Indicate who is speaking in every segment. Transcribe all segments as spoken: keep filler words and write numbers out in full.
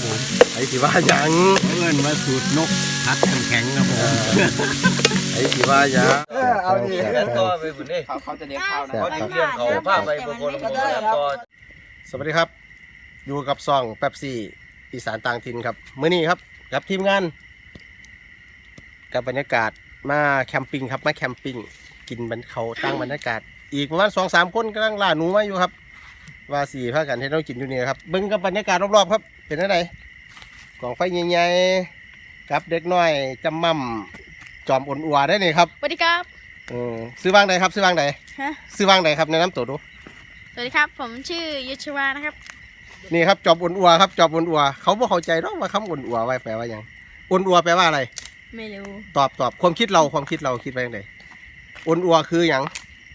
Speaker 1: ผมไอ้สิว่าหยัง
Speaker 2: เพื่อนมาสูตรนกพัดแข็งๆครับผม
Speaker 1: ไอ้สิว่าหยัง
Speaker 3: เอาดิ
Speaker 4: เรื่องต่อไปบุญนี่
Speaker 3: เขาเขาจะเลี้ยงข้าวนะ
Speaker 4: เขาเรื่องเขาพาไปบางคนบางคนต่อ
Speaker 1: สวัสดีครับอยู่กับซองแป๊บซี่อีสานต่างถิ่นครับมื้อนี้ครับกับทีมงานกับบรรยากาศมาแคมปิ้งครับมาแคมปิ้งกินบรรเขาตั้งบรรยากาศอีกประมาณสองสามคนกำลังล่าหนูมาอยู่ครับว่าสี่พากันที่เรากินอยู่นี่ครับเบิ้งกับบรรยากาศรอบๆครับเป็นอะไรกองไฟใหญ่ๆกับเด็กน้อยจำมั่มจอมอ่อนอัวได้นี่ครับ
Speaker 5: สวัสดีครับ
Speaker 1: อืมซื้อวางใดครับซื้อวางใด
Speaker 5: ฮะ
Speaker 1: ซื้อวางใดครับแนะนำตัวดู
Speaker 5: สวัสดีครับผมชื่อยุชวานะครับ
Speaker 1: นี่ครับจอมอ่อนอัวครับจอมอ่อนอัวเขาไม่เข้าใจหรอกว่าคำอ่อนอัวไว้แปลว่าอย่างอ่อนอัวแปลว่าอะไร
Speaker 5: ไม่รู้
Speaker 1: ตอบตอบความคิดเราความคิดเราคิดไปอย่างไรอ่อนอัวคืออย่าง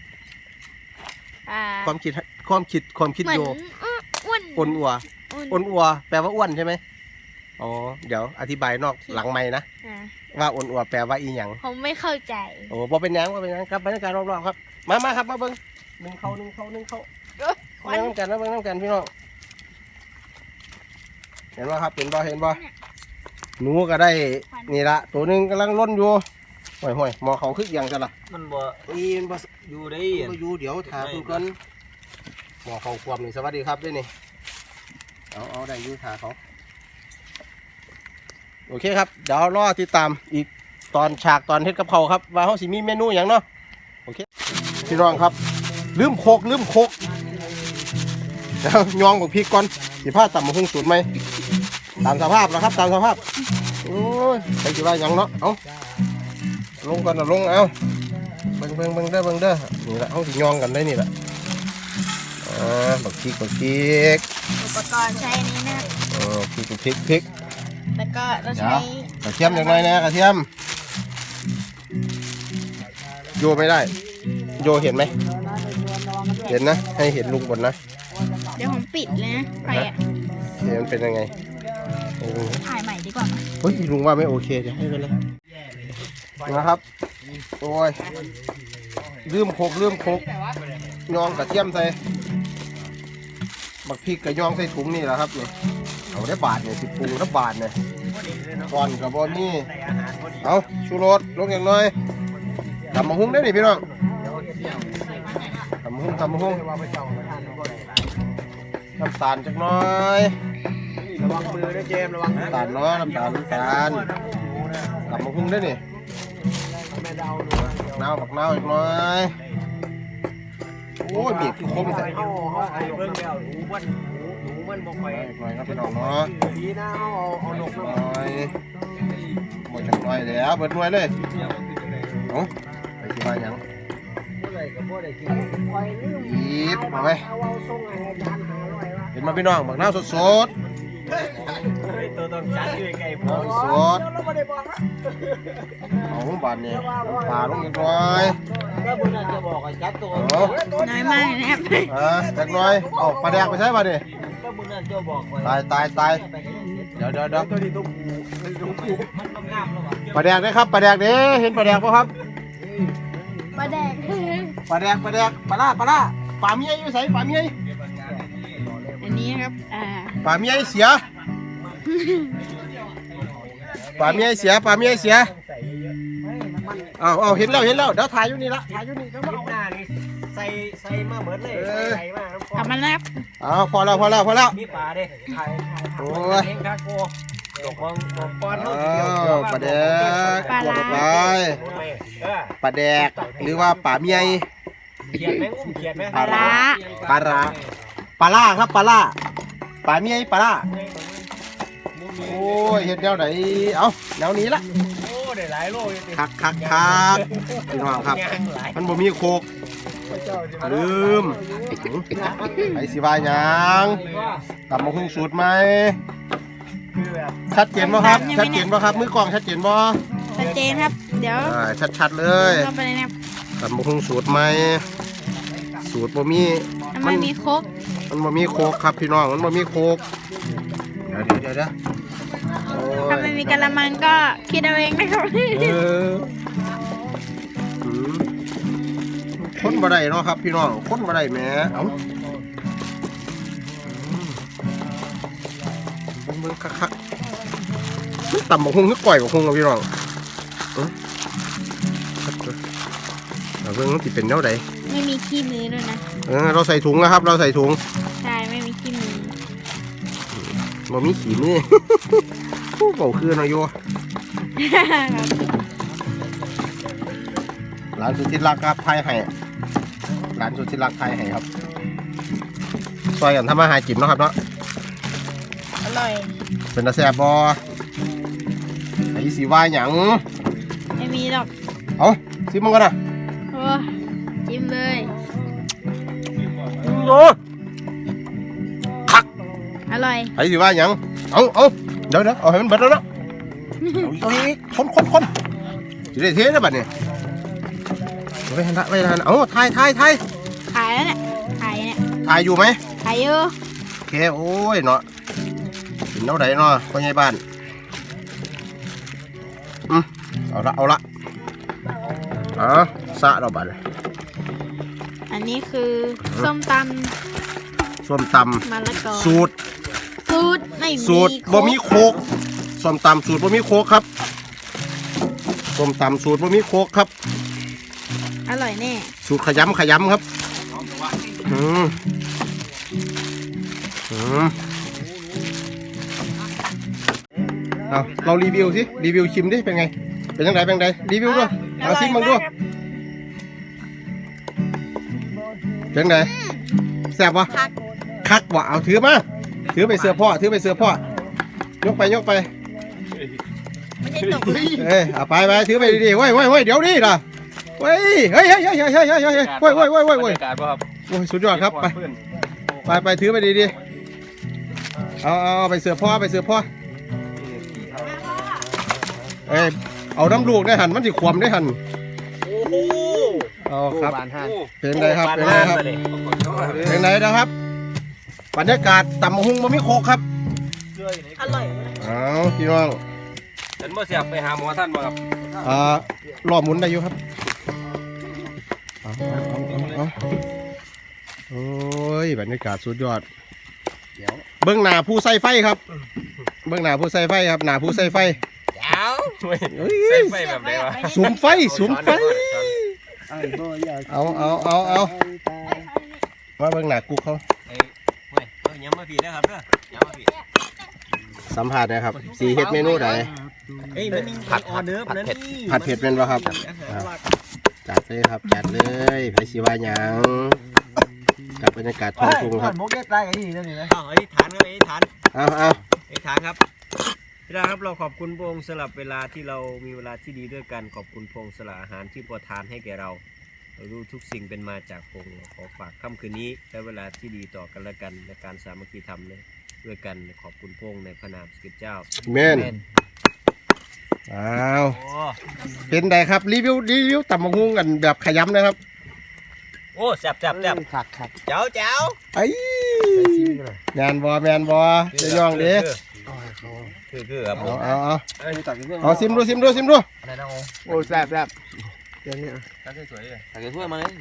Speaker 1: ความคิดความคิดความคิดโย
Speaker 5: อ้วน
Speaker 1: อ่อนอัวอ่อนอัวแปลว่าอ้วนใช่ไหมอ๋อเดี๋ยวอธิบายนอกหลังไม้นะว่าอ่อนอัวแปลว่าอีหยัง
Speaker 5: ผมไม่เข้าใจ
Speaker 1: โอ้พอเป็นยังว่าเป็นยังครับบรรยากาศรอบๆครับมามาครับมาเบิ้งหนึ่งเขาหนึ่งเขาหนึ่งเขาเบิ้งน้ำกันนะเบิ้งน้ำกันพี่น้องเห็นว่าครับเห็นบ่เห็นบ่หนูก็ได้นี่ละตัวหนึ่งกำลังล้นอยู่ห่วยห่วยหมอเขาคึกยังจะละ
Speaker 4: มันบ่
Speaker 1: อีนบ่
Speaker 4: อยู่ได้
Speaker 1: บ่อยู่เดี๋ยวถามคุณกันหมอเขาควบนี่สวัสดีครับด้วยนี่เอาเอาได้อยู่ถาเขาโอเคครับเดี๋ยวรอติดตามอีกตอนฉากตอนเฮ็ดกับเขาครับว่าเขาสิมีเมนูอย่างเนาะโอเคพี่น้องครับลืมโคกลืมโคกแล้วยองกับพริกก่อนสิผ้าต่ำมาหุ้งสูตรไหมตามสภาพแล้วครับตามสภาพโอ้ยใครสิว่าอย่างเนาะเอาลงก่อนนะลงเอาเบิ่งเบิ่งเบิ่งเด้อเบิ่งเด้อนี่แหละเขาสิยองกันได้นี่แหละอ่าบักพริกบักพริก
Speaker 5: อุปกรณ์ใช้อันนี้นะ
Speaker 1: เออพริกพริกพริก
Speaker 5: แล้วก็เราใช้
Speaker 1: กระเทียมอย่างไรนะกระเทียมโยไม่ได้โยเห็นไหมเห็นนะให้เห็นลุงบนนะ
Speaker 5: เดี๋ยวผมปิดเลยนะไฟอ่ะ
Speaker 1: เห็นมันเป็นยังไง
Speaker 5: ถ่ายใหม่ดีกว่า
Speaker 1: เฮ้ยลุงว่าไม่โอเคเดี๋ยวให้ไปเลยนะครับโอ้ยลืมโคกลืมโคกยองกระเทียมใส่บักพริกกระยองใส่ถุงนี่แหละครับเนี่ยเอาได้บาทเนี่ยสิบปรุงได้บาทเนี่ยก่อนกับบอนนี่เอาชูรสลงอย่างน้อยทำมะฮุ้งได้หนิพี่น้องทำมะฮุ้งทำมะฮุ้งน้ำตาลจักน้อย
Speaker 3: ระวังมือด้วยเจมระวัง
Speaker 1: น้ำตาลน้อยน้ำตาลน้ำตาลทำมะฮุ้งได้หนิน้าวบักน้าวอีกน้อยโอ้ยบีบคือคมใส่
Speaker 3: เอาเอาไอ้เบิ้งแล้วหนูมันหนูมันบ่ค่อย
Speaker 1: หน่อยครับพี่น้องเนาะ
Speaker 3: ดีนะเอาเอานก
Speaker 1: หน่อยหมดจังน้อยแล้วเบิดหน่วยเลยโอ้ไปที่บ้านยังบีบมาไปเห็นมาพี่น้องบักน้าวสดๆ
Speaker 3: ตัวต้องจัดอยู่ไกลพอ
Speaker 1: สดเอาบานนี่ปลาลงอีกหน่อย
Speaker 3: ก็บุญจะบอกให้จัดตัว
Speaker 5: น้อยมากนะครับ
Speaker 1: อ่าจักหน่อยเอาปลาแดกไปใช้ป่ะนี่
Speaker 3: ก็บุญจะบอก
Speaker 1: ตายตายตายเดี๋ยวเดี๋ยวเดี๋ยว
Speaker 3: ตัวนี้ตัวผูตัวผูมันต้องงามแล้ววะ
Speaker 1: ปลาแดกได้ครับปลาแดกเด้เห็นปลาแดกป่ะครับ
Speaker 5: ปลาแดก
Speaker 1: ปลาแดกปลาแดกปลาล่าปลาล่าปลาเมียอยู่ใส่ปลาเมีย
Speaker 5: อันนี้ครับอ่า
Speaker 1: ปลาเมียเสียปลาเมียเสียปลาเมียเสียเอาเอาเห็นแล้วเห็นแล้วเดี๋ยวถ่ายอยู่นี่ละถ่ายอยู่นี่เดี๋ยวมาเอา
Speaker 3: หน้านี่ใส่ใส่มาเหมือนเลยใส่มา
Speaker 5: ทำมันแล้ว
Speaker 1: เอาพอแล้วพอแล้วพอแล้ว
Speaker 3: มีปลาดิถ่าย
Speaker 1: โอ้ย
Speaker 3: เองครับโก้ดอกบองดอกปอนเขา
Speaker 1: เดียวปลาแดกปลาลายปลาแดกหรือว่าปลาเมีย
Speaker 3: เขียนไหมอุ้มเขียนไหม
Speaker 5: ปลาล่า
Speaker 1: ปลาล่าปลาล่าครับปลาล่าปลาเมียปลาล่าโอ้ยเห็ดแนวไหนเอาแนวนี้ละ
Speaker 3: โอ้ได้หลายโลเลย
Speaker 1: คักคักคักพี่น้องครับมันบ่มีโคกลืมไอสิวายังตำมะฮุ่งสูตรไหมชัดเจนบ่ครับชัดเจนบ่ครับมือกล่องชัดเจนบ่
Speaker 5: ชัดเจนครับเดี๋ยว
Speaker 1: ชัดๆเลย
Speaker 5: ก็ไปเลยนะ
Speaker 1: ตำมะฮุ่งสูตรไหมสูตรบ่มี
Speaker 5: มันมีโคก
Speaker 1: มันบ่มีโคกครับพี่น้องมันบ่มีโคกเดี๋ยวเดี๋ยวเดี๋ยว
Speaker 5: ถ้าไม่มีกะละมังก็คิดเอาเองนะครับ
Speaker 1: คนบ่ได้เนาะครับพี่น้องคนบ่ได้แหมเอ้าเบิ่งคักๆมันต่ำบักฮุงคือก่อยบักฮุงเอาพี่น้องเออเอาเบิ่งมันสิเป็นแนวใด
Speaker 5: ไม่มีขี้มือด้วยนะ
Speaker 1: เออเราใส่ถุงนะครับ เราใส่ถุง
Speaker 5: ใช่ไม่มีขี้มือ
Speaker 1: บ่มีขี้มือ ผู้เบาคือเนาะโยร้านสุดที่รักครับไทยให้ร้านสุดที่รักไทยให้ครับซอยกันทำมาหากินเนาะครับเนาะ
Speaker 5: อร่อย
Speaker 1: เป็นตาแซ่บบ่ไอ้สีว่าหยัง
Speaker 5: ไม่มีหรอก
Speaker 1: เอาซิมมันกันนะ
Speaker 5: โอ้จิ้มเลย
Speaker 1: โอ้
Speaker 5: อร่อย
Speaker 1: ไอ้สีว่าหยังเอาเอาเดี๋ยวเดี๋ยวเอาให้มันเบิดแล้วเนาะเอาอีกคนคนคนจะได้เทนะบัดนี้เอาไปทันละไปทันเอาถ่ายถ่ายถ่าย
Speaker 5: ขายแล้วเนี่ยขายเนี่ย
Speaker 1: ถ่ายอยู่ไหม
Speaker 5: ขายอยู่
Speaker 1: โอเคโอ้ยเนาะกินเท่าไหร่เนาะพ่อใหญ่บ้านอืมเอาละเอาละอ๋อสะเราบัดเลย
Speaker 5: อันนี้คือส้มต
Speaker 1: ส้มต
Speaker 5: ำมะละกอ
Speaker 1: ำสูตร
Speaker 5: สูตรไม่มี
Speaker 1: สูตรบะหมี่โคกส้มตำสูตรบะหมี่โคกครับส้มตำสูตรบะหมี่โคกครับ
Speaker 5: อร่อยแน่
Speaker 1: สูตรขยำขยำครับอืมอืมเอาเรารีวิวสิรีวิวชิมดิเป็นไงเป็นยังไงเป็นยังไงรีวิวด้วยเอาซิมมึงด้วยเป็นยังไงแซ่บวะ
Speaker 5: คัก
Speaker 1: คักวะเอาถือมาถือไปเสื้อพ่อถือไปเสื้อพ่อยกไปยกไป
Speaker 5: ไม่ได้ตก
Speaker 1: เอ้ยเอาไปไปถือไปดีๆเว้ยเว้ยเว้ยเดี๋ยวนี้ล่ะเว้ยเฮ้ยเฮ้ยเฮ้ยเฮ้ยเฮ้ยเฮ้ยเฮ้ยเว้ยเว้ยเว้ยเว้ยเว้ย
Speaker 2: การป่ะครับ
Speaker 1: โอ้ยสุดยอดครับไปไปไปถือไปดีๆเอาเอาไปเสื้อพ่อไปเสื้อพ่อเอ้ยเอาน้ำลูกได้หันมันสิขวมได้หัน
Speaker 3: โอ้โห
Speaker 1: เอาครับ
Speaker 3: บานห้า
Speaker 1: เป็นไงครับเป็นไงครับเป็นไงนะครับบรรยากาศต่ำหุ่งมันไม่โคกครับ
Speaker 5: อร่อย
Speaker 1: เอาพี่น้อง
Speaker 2: ฉันบ่เสียบไปหาหมอท่านบ่ครับ
Speaker 1: อ่ารอบหมุนได้อยู่ครับเอาเอาเอาเอาโอ้ยบรรยากาศสุดยอดเบื้องหน้าผู้ใส่ไฟครับเบื้องหน้าผู้ใส่ไฟครับหน้าผู้ใส่ไฟ
Speaker 2: เจ้า
Speaker 1: เฮ้ย
Speaker 2: ใส่ไฟแบบไหนวะ
Speaker 1: สุมไฟสุมไฟเอาเอาเอาเอามาเบื้องหน้ากูเขา
Speaker 2: เฮ้ยเฮ้ยเอาย้ำมาผีนะครับเด้อย้ำมาผี
Speaker 1: สัมผัสนะครับสีเฮ็ดเมนูไหน
Speaker 2: เฮ้ยมันมีผัดออเดิร์ฟนะนี่
Speaker 1: ผัดเผ็ดเป็นป่ะครับจัดเลยครับจัดเลยไผสิว่าหยังกับบรรยากาศท้องทุ่งครับ
Speaker 3: มกเก็ตได้กันนี่นั่นนี่นะ
Speaker 2: อ้าวอธิษฐานครับอธิษฐาน
Speaker 1: เอาเอา
Speaker 2: อธิษฐานครับพี่ดาครับเราขอบคุณพระองค์สลับเวลาที่เรามีเวลาที่ดีด้วยกันขอบคุณพระองค์สละอาหารที่ประทานให้แก่เราเรารู้ทุกสิ่งเป็นมาจากพระองค์เราขอฝากค่ำคืนนี้และเวลาที่ดีต่อกันและกันในการสามัคคีธรรมเลยด้วยกันขอบคุณพระองค์ในพระนามสกิจเจ้า
Speaker 1: เมนอ้าว
Speaker 2: โอ้
Speaker 1: เป็นไงครับรีวิวรีวิวตำบักหุ่งกันแบบขยำนะครับ
Speaker 2: โอ้แซ่บแซ่บแซ่บ
Speaker 3: ขัดขัด
Speaker 2: เจ้าเจ้า
Speaker 1: ไอ้แมนบอแมนบอจะย่องเด้
Speaker 2: คือคือครับผ
Speaker 1: เอา
Speaker 2: ม
Speaker 1: เอาเอา
Speaker 3: เอ้ยตักกินเพื่อน
Speaker 1: เอาซิมดูซิมดูซิมดู
Speaker 3: อะไรนะโอ้แซ่บแซ่บเดี๋ยวนี้
Speaker 2: ตักสวยเลย
Speaker 3: ตักกินถ้วยมาเลย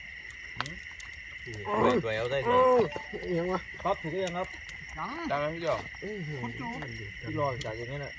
Speaker 2: สวยสวยเอาได้สวย
Speaker 3: ยังวะครับถูกยังครับตักให้พี่จอพี่รอจากอย่างนี้แหละ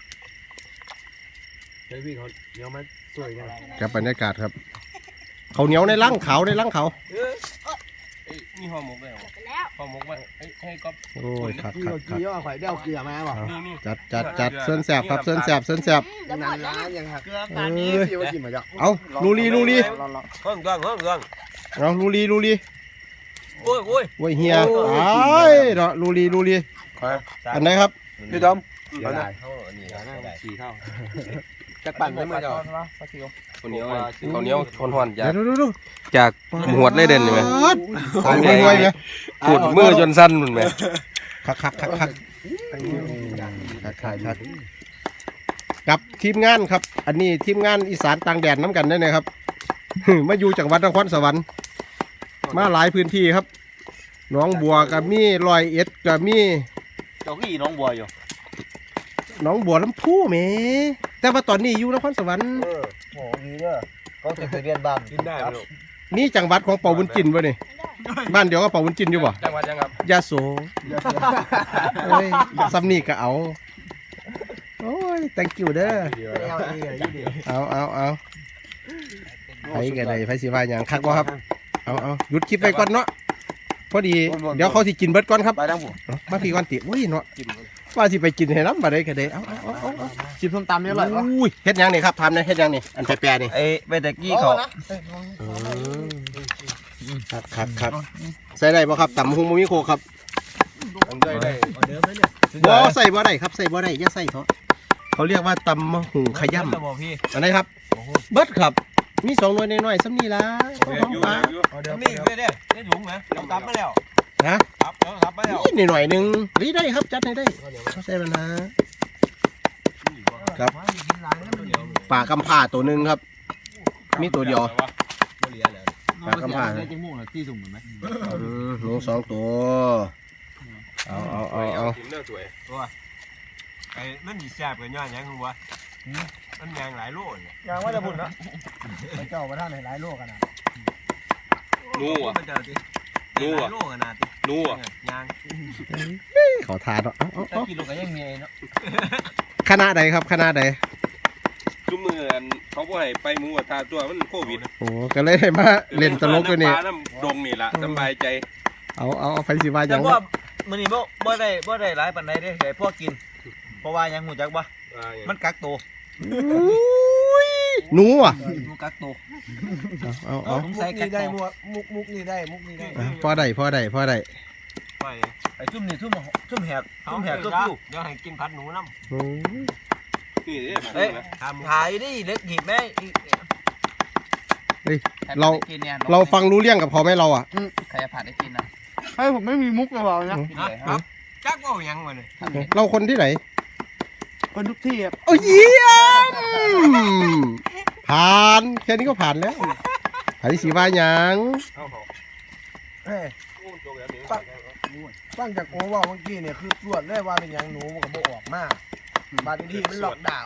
Speaker 3: เฮ้ยพี่เขาเดี๋ยวมาสวยกัน
Speaker 1: กับบรรยากาศครับเขาวเหนียวในร่างเขาในร่างเขา
Speaker 2: มีห่อหมกด้วยเหรอ
Speaker 5: แล้ว
Speaker 2: ห่อหมกไว้ให้ก๊อฟ
Speaker 1: โอ้ยครับ
Speaker 3: พี่
Speaker 1: ครับ
Speaker 3: เรา
Speaker 1: ครั
Speaker 3: กี้
Speaker 1: บ
Speaker 3: ว่าข่อยเดี่ยวเกลือมาบอก
Speaker 2: มีมี
Speaker 1: จัดจัดจัดเส้นแสบครับเส้นแสบเส้นแสบ
Speaker 3: นานร้านยังหัก
Speaker 2: เกลือ
Speaker 1: เอ้ย
Speaker 3: พี่ว่ากินมาจาก
Speaker 1: เอาลูรีลูรี
Speaker 2: ห้องกลางห้องกลาง
Speaker 1: เอาลูรีลูรี
Speaker 2: โอ้ยโอ้ย
Speaker 1: โอ้ยเฮียไอ้เนาะลูรีลูรีอันไหนครับ
Speaker 3: พี่ดอม
Speaker 2: เดี๋ยวได้เท่าอันนี้ได้
Speaker 3: สี่เท่าจะปั่นได้ไหมจ๊ะ
Speaker 2: คนเหนียวคนเหนียวทนหอนจาก
Speaker 1: เดี๋ยวดูดู
Speaker 2: จากหวดเลยเด่นใช่ไหม
Speaker 1: โอ้ยรวยไง
Speaker 2: ขูดมือจนสั้นเหมือนไหม
Speaker 1: คักคักคักคักคักคักคักกับทีมงานครับ อันนี้ทีมงานอีสานต่างแดนน้ำกันได้เลยครับ มาอยู่จังหวัดนครสวรรค์มาหลายพื้นที่ครับหนองบัวกับมีลอยเอ็ดกับมี
Speaker 3: เจ้าขี้น้องบัวอยู่
Speaker 1: หนองบัวลำพูแหมแต่ว่าตอนนี้อยู่นครสวรรค์
Speaker 3: เออโหมีเด้อก็จะไปเรียนบ้าน
Speaker 2: กินได้ไหมลูก
Speaker 1: นี่จังหวัดของเป่าบุญจินวะนี่
Speaker 3: เ
Speaker 1: บ้านเดียวก็เป่าวุ้นจินอยู่บ่
Speaker 3: จังหวัดยังครับ
Speaker 1: ยาโสเฮ้ยซัมนี่ก็เอาโอ้ย thank you เด้อเอาเอาเอาไปกันเลยไปสิว่าอย่างคักบ่ครับเอาเอาหยุดคลิปไปก่อนเนาะพอดีเดี๋ยวเขาสิกินเบิดก่อนครับ
Speaker 3: ไปทั้งผม
Speaker 1: เอามาพี่ก่อนติอุ้ยเนาะว่าสิไปกินให้น้ำบ่ได้ก็ได้เอาเอาเอาเอา
Speaker 3: ชิมส้มตำนี่อร่อยปะ
Speaker 1: อุ้ยเฮ็ดหยังนี่ครับทำนี่เฮ็ดหยังนี่อันแปรๆนี่
Speaker 2: ไอ้เบตะกี้เขา
Speaker 1: ครับครับครับใส่ได้บ่ครับตำหุงบ่มีโคกครับ
Speaker 3: ผมได้ได้
Speaker 1: บ่ใส่บ่ได้ครับใส่บ่ได้อย่าใส่เถอะเขาเรียกว่าตำมะหุงขย่ำ
Speaker 2: บอกพี่
Speaker 1: อันไหนครับเบิดครับมีสองหน่วยน้อยๆซ้ำนี่ล่ะ
Speaker 3: อยู่
Speaker 1: ปลา
Speaker 3: อยู่
Speaker 2: นี่ไม่ได้ได้ถุงไหมเราตับมาแล้ว
Speaker 1: นะ
Speaker 2: ตับเราตับมาแล้ว
Speaker 1: นี่หน่อยๆหนึงเฮ้ยได้ครับจัดให้ได้เขาใส่แล้วนะครับปลากำพร้าตัวหนึงครับ มีตัวเดียวปลากำพร้า
Speaker 3: ได้จมูกนะที่สุ่มเหมือนไหม
Speaker 1: อืมหนูสองตัวเอาเอาเอาเอา
Speaker 3: กินเนื้อสวย
Speaker 2: ไอ้มันดีแซ่บกันย้อนยังวะมันยางหลายโลเนี่ย
Speaker 3: ยางว่าจะบุญนะ
Speaker 1: เจ้าประธานหลายโลกันนะ
Speaker 3: นูอ่ะ
Speaker 2: มันจะดิหลายโลกันนะติ
Speaker 3: นูอ่ะ
Speaker 2: ยาง
Speaker 1: ขอทานเนาะเอาเอา
Speaker 2: ถ้า
Speaker 1: เอา
Speaker 2: กินลูกก็ยังมีเนาะ
Speaker 1: คณะใดครับคณะใด
Speaker 3: ซุ้มมืออันเขาบ่ให้ไปหมูกระทะตัวมันโควิด
Speaker 1: โอ้ก็เลยได้มาเล่นตลกตัวนี้
Speaker 3: น้ำปลาน้ำดงนี่ล่ะสบายใจ
Speaker 1: เอาเอาเอาไปสิว่าอ
Speaker 6: แต่
Speaker 1: ย่าง
Speaker 6: ว่ามื้อนี้บ่บ่ได้บ่ได้หลายปานใดเด้ให้พวกกิน เพราะว่ายังหูจักบ่มันกักตัว
Speaker 1: อุ้ยหนูอ่ะ
Speaker 6: มันกักตัว
Speaker 1: เอาเอา
Speaker 6: สงสัยกักตัว
Speaker 1: เอาพอได้พอได้พอได้
Speaker 2: ไป
Speaker 6: ไอ้ซุ่มนี่ซุ่มซุ่มแหก
Speaker 2: เอา
Speaker 6: ซุ่มแห
Speaker 2: แห
Speaker 6: ก
Speaker 2: ก
Speaker 6: ตั
Speaker 2: ตัว ว
Speaker 6: คิ
Speaker 2: คิ
Speaker 6: ว
Speaker 2: วเดี๋ยวให้กินผัดหนูน้ำ
Speaker 1: โอ้ย
Speaker 3: นี่เด้
Speaker 6: เอ้ย
Speaker 2: ทำ
Speaker 6: ถ่ายดิเล็กหีบแม่อีก
Speaker 1: เฮ้ยเราเราฟังรู้เรื่องกับเขาไหมเราอ่ะ
Speaker 6: ใครจะผ่านได้กินนะ
Speaker 3: ให้ผมไม่มีมุกกับเรานะ
Speaker 2: ครับจักว่ายังวะเนี่ย
Speaker 1: เราคนที่ไหน
Speaker 3: คนทุกที่ครับ
Speaker 1: โอ้ยเยี่ยมผ่านแค่นี้ก็ผ่านแล้วผ่านที่สีว่าหยัง
Speaker 7: ฟังจากโอว่าเมื่อกี้เนี่ยคือตรวจได้ว่าเป็นอย่างหนูมันก็บออกมากบางทีมันหลอกดาวน์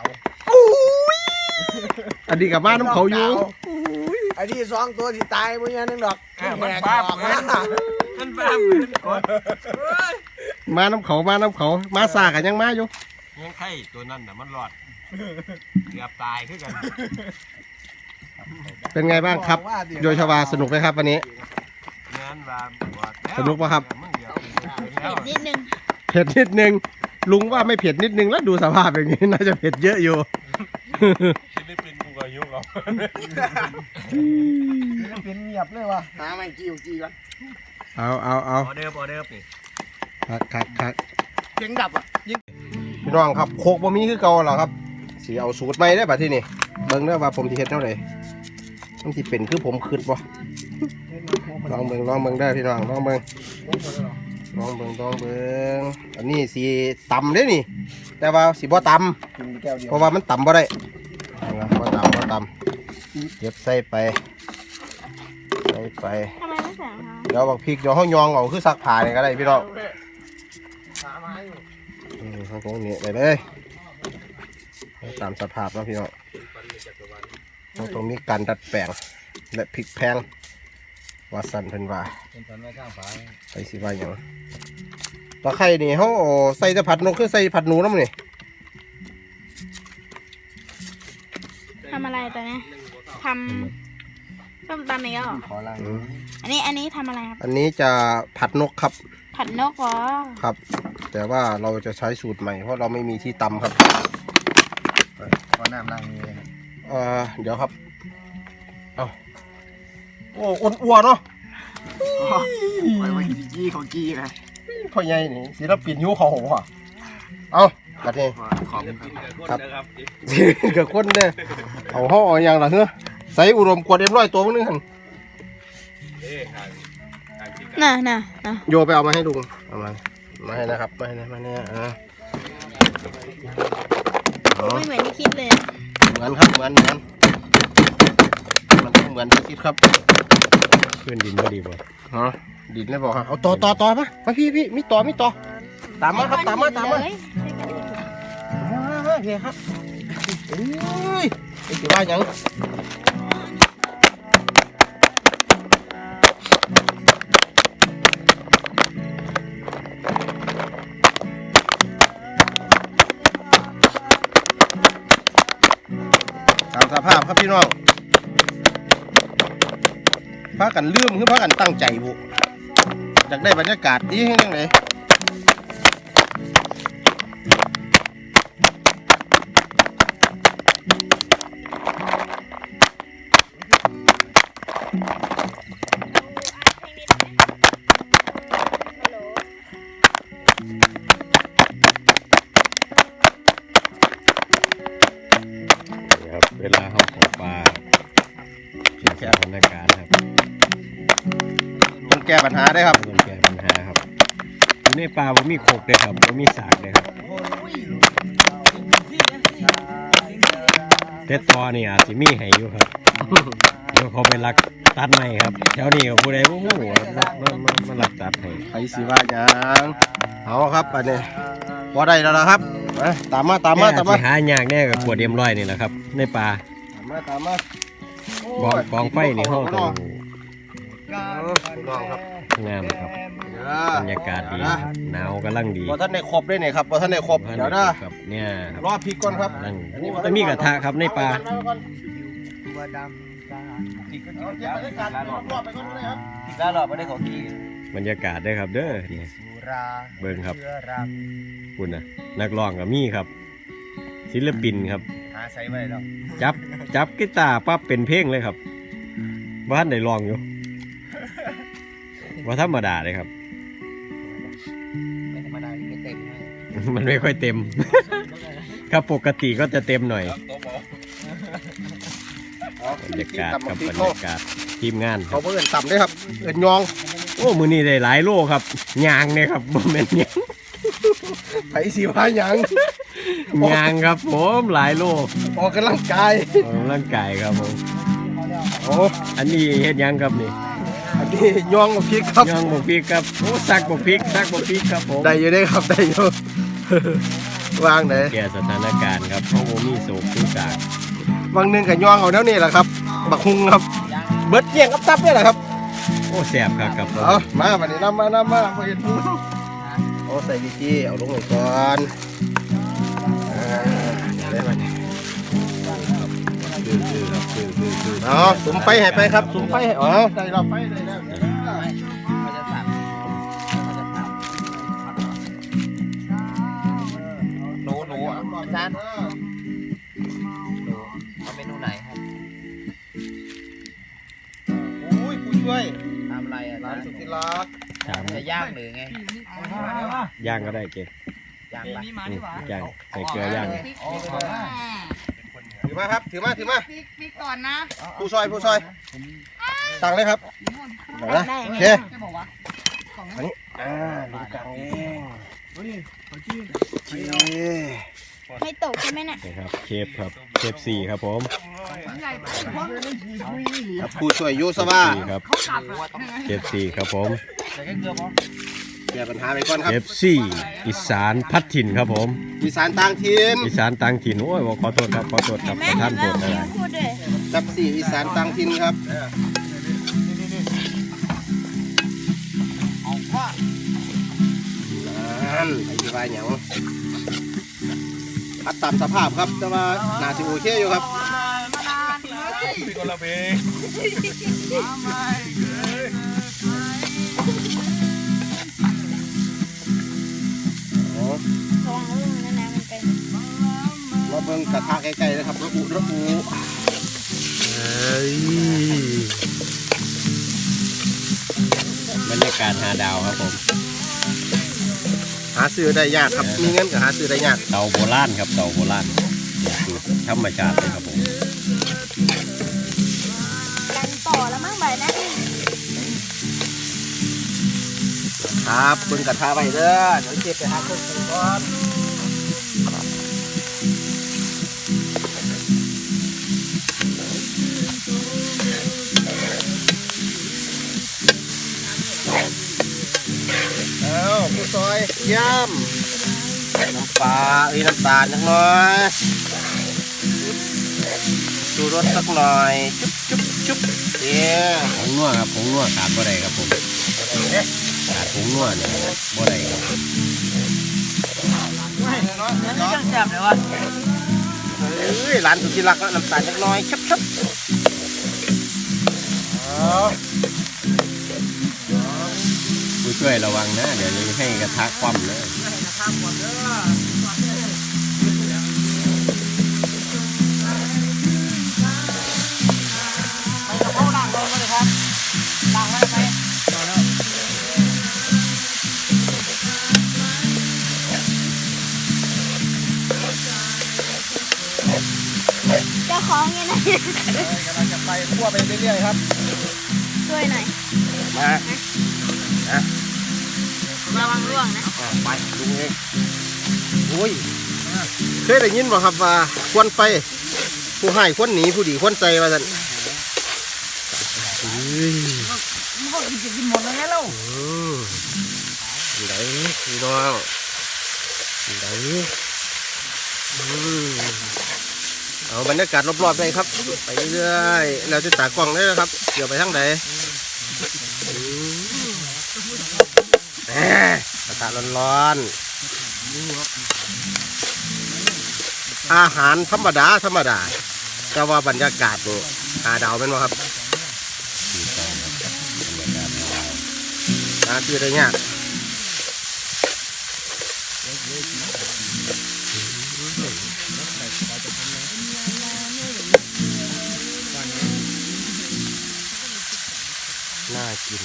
Speaker 1: อันนี้กับบ้านน้ำเขาอยู่
Speaker 7: ไอ้ที่สองตัวที่ตายมันยังนึงดอก
Speaker 2: มันบ้าเหมือนมันบ้าเหมือนกด
Speaker 1: มาน้ำเขามาน้ำเขามาสากันยังมาอยู่
Speaker 2: ยังไข่ตัวนั้นน่ะมันรอดเกือบตายคือกัน
Speaker 1: เป็นไงบ้างครับโยชวาสนุกไหมครับวันนี้
Speaker 2: งานว่า
Speaker 1: สนุกปะครับ
Speaker 5: เผ็ดนิดนึง
Speaker 1: เผ็ดนิดนึงลุงว่าไม่เผ็ดนิดนึงแล้วดูสภาพอย่างนี้น่าจะเผ็ดเยอะอยู่
Speaker 3: ฟิลิปปินส์กูก็ยุ่งเขา
Speaker 7: เป็นเงียบเลยว่ะหาไม่กี่กี่กัน
Speaker 1: เอาเอาเอา
Speaker 2: ออเดอร์ออเดอร์นี่
Speaker 1: คักคักคัก
Speaker 7: เสียงดับอ่ะยิง
Speaker 1: พี่น้องครับโคกบะมีคือเก่าเหรอครับสีเอาสูตรใหม่ได้ป่ะที่นี่เบิ่งเด้อว่าผมที่เฮ็ดเท่าไหร่มันที่เป็นคือผมคืดบ่ลองเบิ่งลองเบิ่งได้อพี่น้องลองเบิ่งลองเบิ่งลองเบิ่งอันนี้สีต่ำเด้นี่ แต่ว่าสีบ่ต่ำเพราะว่ามันต่ำบ่ได้นะบ่ต่ำบ่ต่ำเก็บใส่ไปใส่ไป
Speaker 5: ทำไมไม่ใส่รองเท้า
Speaker 1: เดี๋ยวบักพริกเดี๋ยวห้องยองเอาคือซักผ้าเนี่ยก็ได้พี่น้องอืมห้องตรงนี้ได้เลยตามสภาพแล้วพี่น้องห้องตรงนี้การดัดแปลงและพริกแพงว่าสันเพิ่นว่า
Speaker 6: เป็นตอนไม่ข้างฝา
Speaker 1: ไปสิว่าอย่างตะไคร่นี่เขาเอาใส่แต่ผัดนกคือใส่ผัดหนูน้ำนี่
Speaker 5: ทำอะไรตัวเนี้ยทำส้มตำอีกแล้วเหรอ
Speaker 6: ขอล้าง
Speaker 1: อืม
Speaker 5: อันนี้อันนี้ทำอะไรครับ
Speaker 1: อันนี้จะผัดนกครับ
Speaker 5: ผัดนกเหรอ
Speaker 1: ครับ แต่ว่าเราจะใช้สูตรใหม่เพราะเราไม่มีที่ตำครับ
Speaker 6: ขอน้ำล้างมือเลย
Speaker 1: เอ่อเดี๋ยวครับ เอาโอ้อ้วนอ้วนเนาะ
Speaker 7: ไปวันกี้ของกี้ไง
Speaker 1: พ่อใหญ่นี่ศิลปินยูเขาหัวเอาบัดนี้
Speaker 7: ขอบ
Speaker 3: กินกับคนนะครับ
Speaker 1: กับคนเด้อเอาห่อเอาอย่างละเนอะใส่อุดมกวดเอ็มร้อยตัวมึงนึงหัน
Speaker 3: เอ้ห่างห่างที่กัน
Speaker 5: น่ะน่ะน่ะ
Speaker 1: โยไปเอามาให้ลุงเอามามาให้นะครับมาให้นะมาเนี่ยอ่าอ๋อ
Speaker 5: ไม่เหมือนที่คิดเลยอะ
Speaker 1: เหมือนครับเหมือนเหมือนมันต้องเหมือนที่คิดครับ
Speaker 2: ขึ้นดินก็ดีบ่
Speaker 1: ฮะดินเลยบอกฮะเอาต่อต่อต่อมามาพี่พี่มีต่อมีต่อตามมาครับตามมาตามมา
Speaker 5: เลย
Speaker 1: มาเพียครับเอ้ยไอ้สิว่าหยังตามสภาพครับพี่น้องพากันลืมคือพากันตั้งใจบุอยากได้บรรยากาศดียังไงครับเวลาเขาขอปลาเขียนแค่สถานการณ์ครับต้องแก้ปัญหาได้ครับต้องแก้ปัญหาครับอยู่ในปลาบ่มีโขกเลยครับบ่มีสากเลยครับเต็ดตอนี่อาจจะมีให้อยู่ครับเดี๋ยวเขาไปลักตัดใหม่ครับแถวนี้กับผู้ใดผู้หูมันมันมันลักตัดให้ใครสิว่าอย่างเอาครับอันนี้พอได้แล้วนะครับมาตามมาตามมาตามมาหายากแน่กับขวดเดียมร้อยนี่แหละครับในปลาตามมาตามมากองกองไฟนี่ห้องตรงงามครับบรรยากาศดีหนาวกำลังดีพอท่านได้ครบได้เนี่ยครับพอท่านได้ครบเดี๋ยวนะครับเนี่ยรอพริกก่อนครับอันนี้จะมีกระทะครับในปลา
Speaker 6: ตัวดำตาที่ก็
Speaker 1: เอาเก็บบรรยากาศรอบๆไปก่อนเลยครับ
Speaker 6: ที่แล้วรอบไม่ได้ของที่
Speaker 1: บรรยากาศได้ครับเด้อเนี่ย
Speaker 6: สุรา
Speaker 1: เบิ่งครับ
Speaker 6: เชื้อรัง
Speaker 1: คุณนะนักร้องกับมี่ครับศิลปินครับ
Speaker 6: หาใส่ไว้แล้ว
Speaker 1: จับจับกีตาร์ปั๊บเป็นเพลงเลยครับบ้านได้ร้องอยู่ว่าธรรมดาเลยครับ
Speaker 6: ไม่ธรรมดาไม่เต็มเลย
Speaker 1: มันไม่ค่อยเต็ม ครับปกติก็จะเต็มหน่อยบรรยากาศกับบรรยากาศทีมงานเขาเพิ่นต่ำด้วยครับเอินยองโอ้มือนี้ได้หลายโลครับยางเนี่ยครับบ่แม่นยางไผสีพายางยางครับผมหลายโลออกกำลังกายออกกำลังกายครับผมโอ้อันนี้เฮ็ดยังครับนี่อันนี้ยองบกพริกครับยองบกพริกครับโอ้ซักบกพริกซักบกพริกครับผมได้อยู่ได้ครับได้อยู่วางไหนแก้สถานการณ์ครับเพราะว่ามีโศกทุกอย่างบางนึงกับยองเอาแนวนี้แหละครับบักฮุงครับเบิดเกี่ยงกับตับนี่แหละครับโอ้แสบครับครับเอามาวันนี้นำมานำมาพอเห็นโอ้ใส่วิธีเอาลงไปก่อนได้ไหมเอาสุมไฟให้ไปครับสุมไฟให้อ๋อได้เราไฟได้แล้ว
Speaker 6: หนูหนูอาจารย์หนูเอาเมนูไหนครับ
Speaker 1: อุ้ยผู้ช่วย
Speaker 6: ทำอะไรอ่ะ
Speaker 1: ร้านสุธิรัก
Speaker 6: จะย่างหรือไง
Speaker 1: ย่างก็ได้เก๋
Speaker 6: ย่างปะ
Speaker 1: ย่างใส่เกลือย่างถือมาครับถือมาถือมา
Speaker 5: ปิกปิกก่อนนะ
Speaker 1: ผู้ซอยผู้ซอยตังเลยครับเดี๋ยวนะโอเคอันนี้อ่าดูกลางเองเจ๊
Speaker 5: ไม่ตกใช่ไหมเนี่ย
Speaker 1: ครับเชฟครับเชฟสี่ครับผมครับผู้ช่วยยูสวาครับเชฟสี่ครับผม
Speaker 6: ใส่แค่เกลือพอ
Speaker 1: แก้ปัญหาไปก่อนครับ
Speaker 8: เอฟ ซี อีสานพัดถิ่นครับผม
Speaker 1: อีสานต่างถิ่น
Speaker 8: อีสานต่างถิ่นโอ้ยบอกขอโทษครับขอโทษครับ
Speaker 5: แม่
Speaker 8: ท่าน
Speaker 5: เห็น
Speaker 8: โปร
Speaker 5: แล้ว
Speaker 8: ดอะไร
Speaker 5: พูดด้วย
Speaker 1: จับสี่อีสานต่างถิ่นครับนั่นไอ้ที่ว่าหยังพัดตามสภาพครับแต่ว่าน่าจะโอเคอยู่ครับ
Speaker 3: พี่คนละเพลง
Speaker 1: อ๋อ
Speaker 5: ระวังลูกนั่นนะมันเป็น
Speaker 1: มาเบิ่งกระทะใกล้ๆนะครับระอุระอุเฮ้ย
Speaker 8: บรรยากาศหาดาวครับผม
Speaker 1: หาซื้อได้ยากครับมีเงินก็หาซื้อได้ยาก
Speaker 8: เตาโบราณครับเตาโบราณนี่คือธรรมชาติเลยครับผม
Speaker 5: กันต่อแล้วมั้งใบนะ
Speaker 1: ครับเบิ่งกระทะไว้เด้อเดี๋ยวเก็บไปหาเครื่องปรุงก่อนเอาผู้ซอยย่ำน้ำปลาเอ้ยน้ำตาลจักหน่อยชูรสสักหน่อยจุ๊บจุ๊บจุ๊บเดี๋ยว
Speaker 8: ผงนัวครับผงนัวขาดบ่ได้ครับผมขาดผงนัวเนี่ยบ่ได้ครับ
Speaker 6: เนื้อจังแซ่บเลยวะ
Speaker 1: เฮ้อ้ยร้านสุดที่รักแล้วน้ำตาลเล็กน้อยชับชับอ๋อ
Speaker 8: ผู้ช่วยระวังนะเดี๋ยวนี้ให้กระทะคว่ำนะ
Speaker 5: เจ้าของยังไง
Speaker 7: กำลังจะไปคั่วไปเรื่อยๆครับ
Speaker 5: ช่วยหน่อย
Speaker 1: มา
Speaker 5: ระวังร่วงนะ
Speaker 1: อ่ะไปลุงเองโอ้ยเคยได้ยินบ่ครับว่าควรไปผู้ให้ควรหนีผู้ดีควรใจว่าซั่นเฮ้ย
Speaker 7: มันก็กินจะกินหมดเลยไงเล่า
Speaker 1: อืมอยู่ไหนพี่น้องอยู่ไหนอืมเอาบรรยากาศรอบๆเลยครับ ไปเรื่อยๆเราจะตากล้องได้นะครับเดี๋ยวไปทางไหนอืมแหมกระทะร้อนๆอาหารธรรมดาธรรมดาแต่ว่าบรรยากาศนี่หาดาวเป็นไหมครับหาคือได้เนี่ยน่ากิน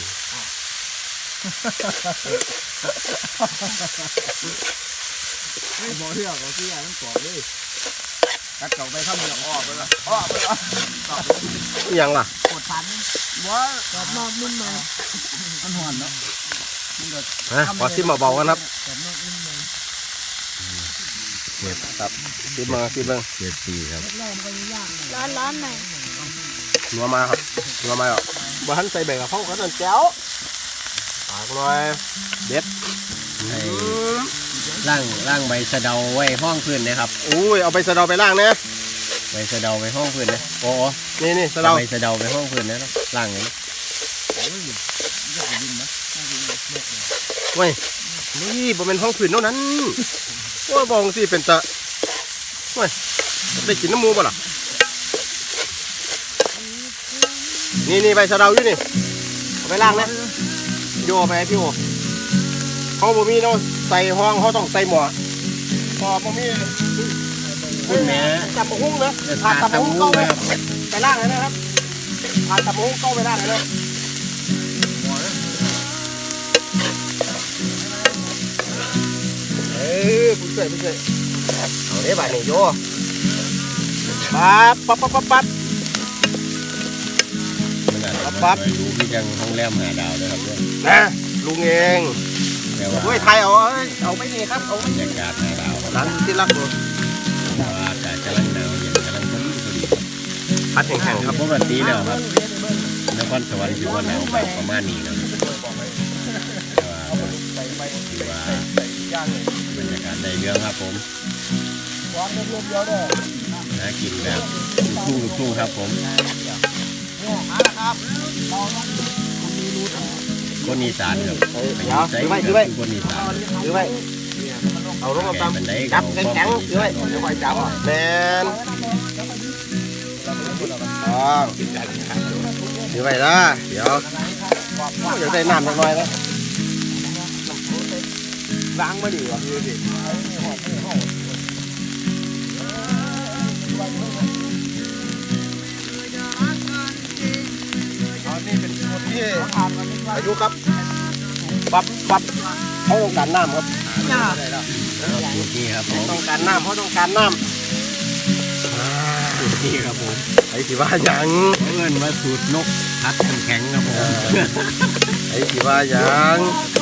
Speaker 7: บ่เรื่องก็คืออันนั้นก่อนเลยตัดเก่าไปข้ามเรืออ้อไปละอ้อไปละ
Speaker 1: อิหยังล่ะ
Speaker 7: กดพันว่ากดนอกนุ่มในมันหอนเนาะ
Speaker 1: ฮะขอซิมเบาๆกันครับ
Speaker 7: กดนอกนุ่มใน
Speaker 1: เนี่ยครับซิมมาซิมเบิ้ง
Speaker 8: เจ็ดปีครับ
Speaker 7: แรกมันก็ยากหน่อย
Speaker 5: ร้อนร้อนหน่อย
Speaker 1: นัวมาครับนัวมาอ่ะบ้านใส่ใบกะเพราเขาตอนแจ้วปากหน่อยเด็ด
Speaker 8: ให้ล่างล่างใบสะเดาไว้ห้องพื้นนะครับ
Speaker 1: อุ้ยเอาไปสะเดาไปล่างเนี่ย
Speaker 8: ใบสะเดาไว้ห้องพื้นนะโอ้โห
Speaker 1: นี่นี่สะเดา
Speaker 8: ใบสะเดาไว้ห้องพื้นนะล่างอย่างนี้
Speaker 1: เว้ยนี่บ่เป็นห้องผืนเท่านั้นว่าบองสิเป็นตะเว้ยได้กินน้ำมูบ่ล่ะนี่นี่ใบสะเดาอยู่นี่เอาไปล่างนะโยเอาไปให้พี่โอเขาบ่มีเนาะใส่ห้องเขาต้องใส่หม้อพอบ่มี
Speaker 8: คุณแม่
Speaker 1: จับหมูหุ้งนะ
Speaker 8: จะ
Speaker 1: ผ่า
Speaker 8: ทาน
Speaker 1: ตับหมูหุ้ง
Speaker 8: ตำ
Speaker 1: เข้า
Speaker 8: มู
Speaker 1: ไป
Speaker 8: ไหมครับ
Speaker 1: ไปล่างเลยนะครับผ่านตับหมูหุ้งเข้าไปล่างเลยนะเอ้ยผู้ช่วยผู้ช่วยเอาเด้บ่ายนี่โยปั๊บปั๊บปั๊บปั๊บปั๊บ
Speaker 8: มันอาจจะ
Speaker 1: ปั๊บ
Speaker 8: ไม่รู้ที่ยังห้องแรมหาดาวนะครับเนี่ย
Speaker 1: นะลุงเอง
Speaker 8: แต่ว่า
Speaker 1: ด้วยไทยเอาเอาไปนี่ครับเอาไป
Speaker 8: บรรยากาศหาดาวครับ
Speaker 1: ร้านที่รักเลย
Speaker 8: เพราะว่าอากาศกำลังหนาวเย็นกำลังพอดีพอดี
Speaker 1: พัดแข็งๆครับ
Speaker 8: ปกติแล้วครับนครสวรรค์ถือว่าหนาวแบบประมาณนี้นะแต่ว่าถือว่าบรรยากาศในเรื่องครับผม
Speaker 7: วางได้เรื่องเดียวเด้อ
Speaker 8: หากินแบบทุ่งๆทุ่งๆครับผม
Speaker 7: เนี่ยมาแล้วครับเราต้องมีรูท
Speaker 8: คนอีสานครับ
Speaker 1: เอ้ยเดี๋ยวถือไว้ถือไว้
Speaker 8: คนอีสาน
Speaker 1: ถือไว้เอาลงมาตาม
Speaker 8: แก่บันได
Speaker 1: จับ
Speaker 8: เขา
Speaker 1: แข็ง
Speaker 8: ก็
Speaker 1: ๆถือไว้เดี๋ยวไว้จับแมนอ๋อถือไว้ละเดี๋ยวอยากได้น้ำสักหน่อยนะล้างมาดีกว่าดูดิเอานี่เป็นคนที่อายุครับปรับปรับเขาต้องการน้ำครับ
Speaker 8: นี่ครับผม
Speaker 1: ต้องการน้ำเขาต้องการน้ำ
Speaker 8: นี่ครับผม
Speaker 1: ไอ้สิว่าหยัง
Speaker 8: เอิ้นว่าสูตรนกพัดน้ำแข็งครับผม
Speaker 1: ไอ้สิว่าหยัง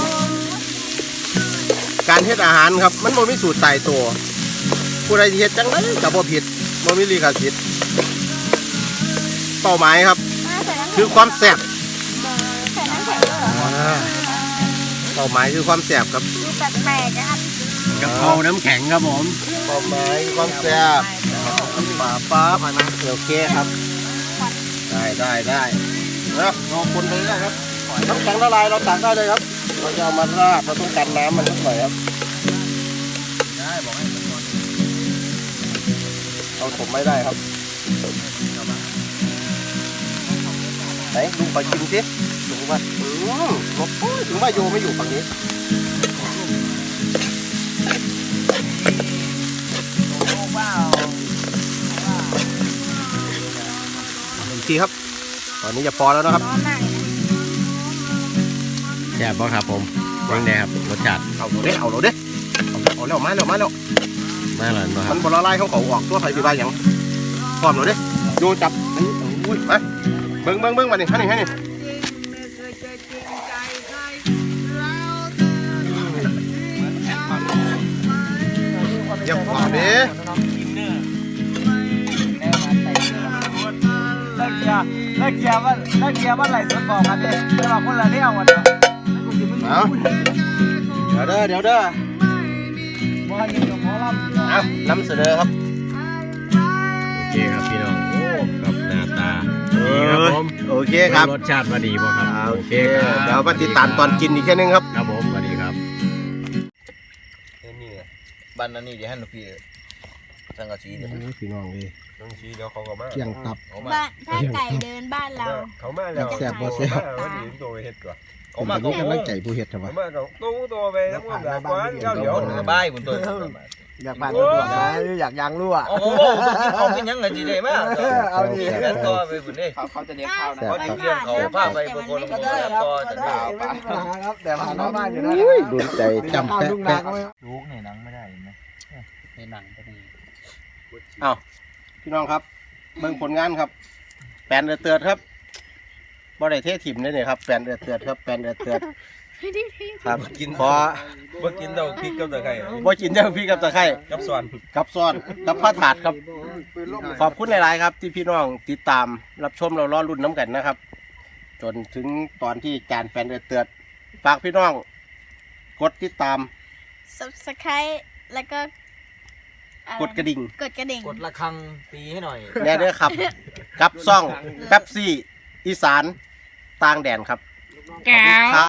Speaker 1: การเฮ็ดอาหารครับมันบ่มีสูตรตายตัวผู้ใดที่เฮ็ดจังไดก็บ่ผิดบ่มีลิขสิทธิ์เป้าหมายครับ
Speaker 5: อ่าใส่น้ำ
Speaker 1: คือความแซ่บ
Speaker 5: ใส่น้ำแข็งด้วยเหรอ
Speaker 1: อ่าเป้าหมายคือความแซ่บครับ
Speaker 5: ดูแปลกๆนะครับ
Speaker 8: กะเพราน้ำแข็งครับผม
Speaker 1: เป้าหมายคือความแซ่บป่าป้าผ่านมาโอเคครับ ได้ได้ได้นะรอคนไปได้ครับน้ำแข็งละลายเราตักได้เลยครับเราจะเอามาราดเราต้องการน้ำมันสักหน่อยครับ
Speaker 7: ได้บอกให้มันนอน
Speaker 1: เอาผมไม่ได้ครับไหนลุงขอชิมสิลุงว่าอืมโอ้ยถึงว่าโยไม่อยู่ฝั่งนี้หนึ่งทีครับตอนนี้จะพอแล้วนะครับ
Speaker 5: ร้อนมากเลยนะ
Speaker 8: แซ่บบ่ครับผมยังไงครับรสชาติ
Speaker 1: เอาเราเด้เอาเราเด้เอาเอาแล้วมาแล้วมาแล้ว
Speaker 8: มาแล้วบ่ค
Speaker 1: มั
Speaker 8: รับ
Speaker 1: นบละลายเขาเขาออกตัวไฟสีบ้าอย่างพร้อมเราเด้โยจับอันนี้อุ้ยมาเบิ้งเบิ้งเบิ้งมานี่ให้นี่ให้นี่เยี่ยมกว่าเด้
Speaker 6: ได้เกียร์ได้เกียร์ว่าได้เกียร์ว่าไหลสวนบอกกันดิแต่ว่าคนละเที่ยววันเดียว
Speaker 1: เอาเดี๋ยวเด้อเดี๋ยวเด้อ
Speaker 6: ว่าอยู่กับหมอลำ
Speaker 1: เอานำเสนอครับ
Speaker 8: โอเคครับพี่น้องโอ้ครับหน้าตาดีครับผม
Speaker 1: โอเคครับ
Speaker 8: รสชาติว่าดีบ่ครับ
Speaker 1: อ่าโอเค
Speaker 8: ครับ
Speaker 1: เดี๋ยวมาติดตามตอนกินอีกแค่นึงครับ
Speaker 8: ครับผมสวัสดีครับ
Speaker 4: นี่บ้านนั้นนี่เดี๋ยวให้หนูพี่สังกะสีเดี๋ยว
Speaker 1: พี่น้องเลย
Speaker 3: ต้องชี้เดี๋ยวเขาก็มา
Speaker 1: เกี่ยงตับ
Speaker 4: เขามา
Speaker 5: บ้านถ้าไก่เดินบ้านเรา
Speaker 3: เขามาแล้ว
Speaker 1: แซ่บบ่แซ่บ
Speaker 3: มาวันนี้ตัวไปเฮ็ดก่อน
Speaker 4: เขามา
Speaker 1: ผม
Speaker 4: เขา
Speaker 1: จะมีกำลังใจผู้เฮ็ดครับ
Speaker 3: เขา
Speaker 1: วะ
Speaker 3: มาเขาตู้ตัวไปทั้งหมดแบบว่าเก้า
Speaker 4: เดี๋
Speaker 3: เดี๋
Speaker 4: ย
Speaker 3: ยว ว
Speaker 4: คนกับบ้ายคนตัว
Speaker 7: อยากผ่านตำรวจนะอยากยางรั่ว
Speaker 4: โอ้โหเขากินยังไงจีเดมาเอาดิเงินต่อไปบุญนี่
Speaker 7: เขาเขาจะเลี้ยงข้าวนะ
Speaker 4: เขาจะเลี้ยงเขาพาไปบางคน
Speaker 7: ก็ได้ครับก็ได้ไม่มีปัญหาครับแต่ผ่านหน้าบ้านอยู่นะ
Speaker 1: โดนใจจำแปะ
Speaker 7: ลูกนา
Speaker 1: แปะ
Speaker 7: ก็ไม่
Speaker 6: ลูกในหนังไม่ได้ไหม
Speaker 4: ในหนังก็ดี
Speaker 1: เอาพี่น้องครับเบิ่งผลงานครับแปลนเดือดเตือดครับบ่ได้เทถิ่มเลยเนี่ยครับแปลนเดือดเตือดครับแปลนเดือดเตือดครับกินพอ
Speaker 3: เมื่อกินเราพริกกับตะไคร้
Speaker 1: บ่กินเจ้าพี่กับตะไคร้
Speaker 3: กับส่วน
Speaker 1: กับซ้อนกับผ้าถาดครับ ขอบคุณหลายๆครับ ที่พี่น้องติดตามรับชมเราล้อรุ่นน้ำกันนะครับ จนถึงตอนที่จานแปลนเดือดเตือดฝากพี่น้องกดติดตาม
Speaker 5: subscribe แล้วก็อไ
Speaker 1: กดกระดิ่ง
Speaker 5: กดกระดิ่ง
Speaker 6: กดระฆังตีให้หน่อย
Speaker 1: แน่เด้อครับ กับซ่องแป๊บซี่อีสานต่างแดนครับ
Speaker 5: แก้ว